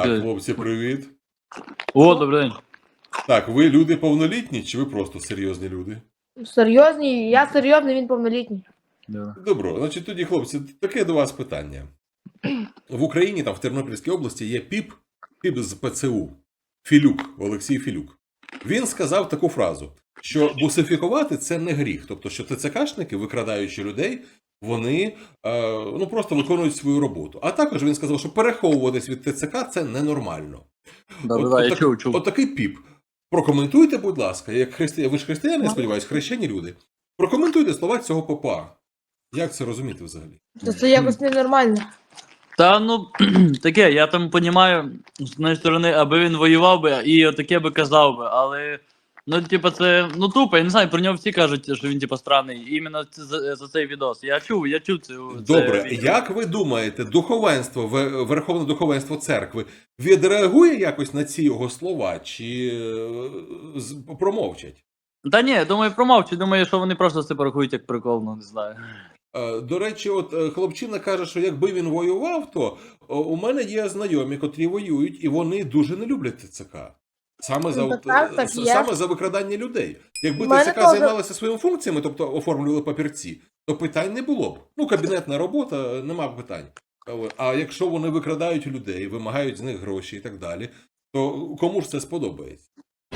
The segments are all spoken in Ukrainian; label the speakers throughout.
Speaker 1: Так, хлопці, привіт.
Speaker 2: О, добрий день.
Speaker 1: Так, ви люди повнолітні, чи ви просто серйозні люди?
Speaker 3: Серйозний, я серйозний, він повнолітній.
Speaker 1: Добро, значить тоді, хлопці, таке до вас питання. В Україні, там в Тернопільській області є піп з ПЦУ, Філюк, Олексій Філюк. Він сказав таку фразу, що бусифікувати – це не гріх. Тобто, що ТЦКшники, викрадаючи людей, вони просто виконують свою роботу. А також він сказав, що переховуватись від ТЦК – це ненормально.
Speaker 2: Я чув.
Speaker 1: Отакий піп. Прокоментуйте, будь ласка, як ви ж християни, я сподіваюся, хрещені люди. Прокоментуйте слова цього попа. Як це розуміти взагалі?
Speaker 3: Це якось ненормально.
Speaker 2: Та ну таке, я там розумію, з однієї сторони, аби він воював би і отаке би казав би, але ну, типа, це тупо, я не знаю, про нього всі кажуть, що він типа странний, іменно за цей відос. Я чув це.
Speaker 1: Добре, як ви думаєте, духовенство, верховне духовенство церкви відреагує якось на ці його слова, чи промовчать?
Speaker 2: Та ні, думаю, промовчу, думаю, що вони просто це порахують як прикол, ну не знаю.
Speaker 1: До речі, от хлопчина каже, що якби він воював, то у мене є знайомі, котрі воюють, і вони дуже не люблять ТЦК. Саме за викрадання людей. Якби ТЦК займалося своїми функціями, тобто оформлювали папірці, то питань не було б. Ну, кабінетна робота, нема питань. А якщо вони викрадають людей, вимагають з них гроші і так далі, то кому ж це сподобається?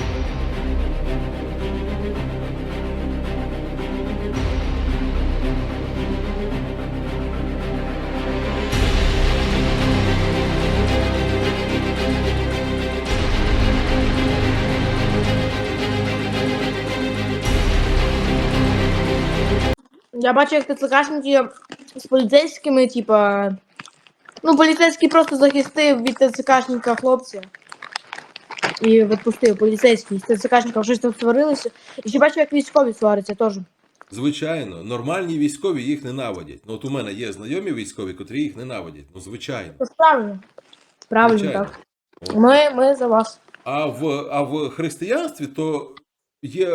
Speaker 3: Я бачу, як ТЦКшники з поліцейськими, типа... Ну, поліцейський просто захистив від ТЦКшника хлопця. І відпустив поліцейський. З ТЦКшником щось там сварилися. І ще бачу, як військові сваряться теж.
Speaker 1: Звичайно, нормальні військові їх ненавидять. Ну, от у мене є знайомі військові, котрі їх ненавидять. Ну, звичайно.
Speaker 3: Це правильно. Правильно,
Speaker 1: Звичайно.
Speaker 3: так. Ми за вас.
Speaker 1: А в християнстві то є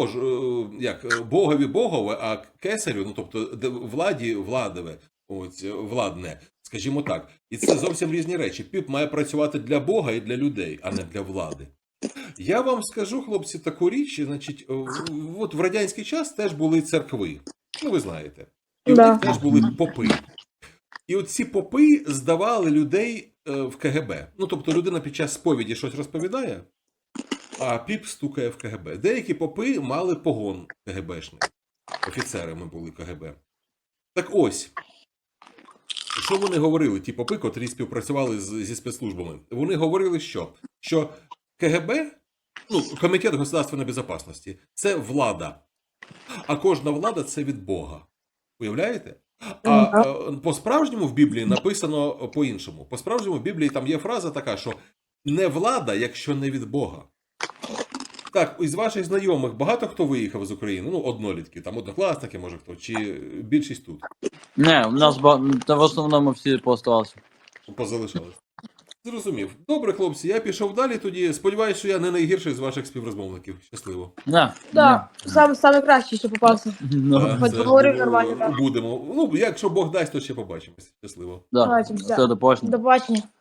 Speaker 1: богові богове, а кесарю, ну тобто владі владове, владне, скажімо так. І це зовсім різні речі. Піп має працювати для Бога і для людей, а не для влади. Я вам скажу, хлопці, таку річ, значить, от в радянський час теж були церкви. Ну, ви знаєте. І в них теж були попи. І от ці попи здавали людей в КГБ. Ну, тобто людина під час сповіді щось розповідає, а піп стукає в КГБ. Деякі попи мали погон КГБшний. Офіцерами були КГБ. Так ось, що вони говорили, ті попи, котрі співпрацювали зі спецслужбами? Вони говорили, що КГБ, ну, Комітет государственної безпечності, це влада. А кожна влада – це від Бога. Уявляєте? А по-справжньому в Біблії написано по-іншому. По-справжньому в Біблії там є фраза така, що не влада, якщо не від Бога. Так, із ваших знайомих багато хто виїхав з України? Ну, однолітки, там однокласники, може хто, чи більшість тут?
Speaker 2: Не, у нас в основному всі поставалися.
Speaker 1: Позалишались. Зрозумів. Добре, хлопці, я пішов далі тоді. Сподіваюсь, що я не найгірший з ваших співрозмовників. Щасливо.
Speaker 3: Так, саме кращий, що попався. Хоч поговорив нормально, так.
Speaker 1: Будемо. Ну, якщо Бог дасть, то ще побачимось. Щасливо.
Speaker 2: Все, до побачення.
Speaker 3: До побачення.